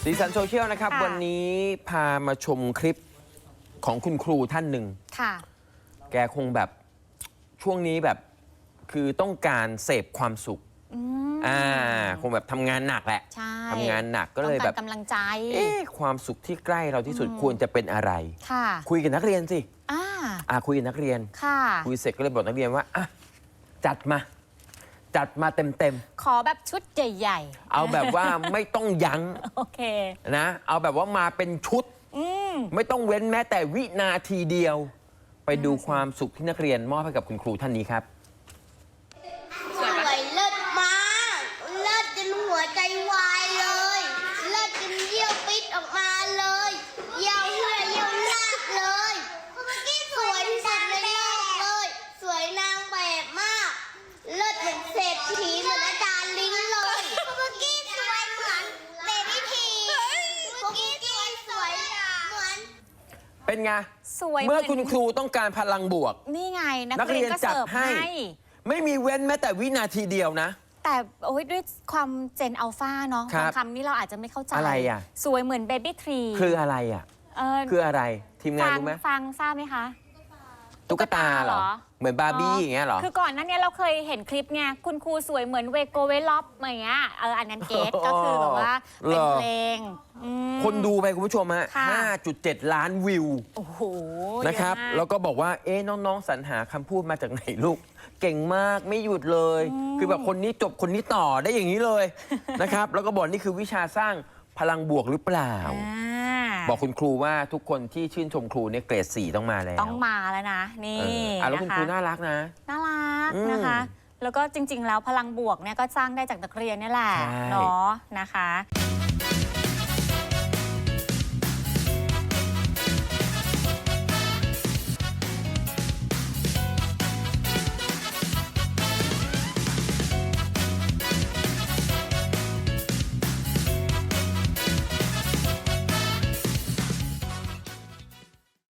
สีสันโซเชียลนะครับวันนี้พามาชมคลิปของคุณครูท่านหนึ่งค่ะแกคงแบบช่วงนี้แบบคือต้องการเสพความสุขคงแบบทำงานหนักแหละทำงานหนักก็เลยแบบกำลังใจความสุขที่ใกล้เราที่สุดควรจะเป็นอะไรคุยกับนักเรียนสิคุยกับนักเรียนคุยเสร็จก็เลยบอกนักเรียนว่าจัดมาเต็มขอแบบชุดใหญ่ๆเอาแบบว่าไม่ต้องยั้งโอเคนะเอาแบบว่ามาเป็นชุดไม่ต้องเว้นแม้แต่วินาทีเดียวไปดูความสุขที่นักเรียนมอบให้กับคุณครูท่านนี้ครับสวยเลิศมากเลิศจนหัวใจวายเลยเลิศจนเยี่ยวปิดออกมาเลยเยี่ยวเหื่อเยี่ยวลากเลยสวยที่สุดในโลกเลยสวยนางแบบมากเลิศเหมือนเศรษฐีเหมือนอาจารย์ลิงเลยคุกกี้สวยเหมือนเบบี้ทีคุกกี้สวยเหมือนเป็นไงสวยเมื่อคุณครูต้องการพลังบวกนี่ไงนักเรียนก็จัดให้ไม่มีเว้นแม้แต่วินาทีเดียวนะแต่โอ้ยด้วยความเจนอัลฟาเนาะบางคำนี้เราอาจจะไม่เข้าใจอะไรอ่ะสวยเหมือนเบบี้ทรีคืออะไรอ่ะคืออะไรทีมงานรู้ไหมฟังทราบไหมคะตุ๊กตาเหรอเหมือนบาร์บี้อย่างเงี้ยเหรอคือก่อนหน้านี้เราเคยเห็นคลิปไงคุณครูสวยเหมือนเวโกเวล็อปอย่างเงี้ยอันนั้นเกตก็คือแบบว่าเป็นเพลงคนดูไปคุณผู้ชมฮะ 5.7 ล้านวิวโอ้โหนะครับแล้วก็บอกว่าน้องๆสรรหาคำพูดมาจากไหนลูกเก่งมากไม่หยุดเลยคือแบบคนนี้จบคนนี้ต่อได้อย่างนี้เลยนะครับแล้วก็บอกนี่คือวิชาสร้างพลังบวกหรือเปล่าบอกคุณครูว่าทุกคนที่ชื่นชมครูเนี่ยเกรด 4ต้องมาแล้วต้องมาแล้วนะนี่แล้วคุณครูน่ารักนะน่ารักนะคะแล้วก็จริงๆแล้วพลังบวกเนี่ยก็สร้างได้จากนักเรียนนี่แหละเนาะนะคะ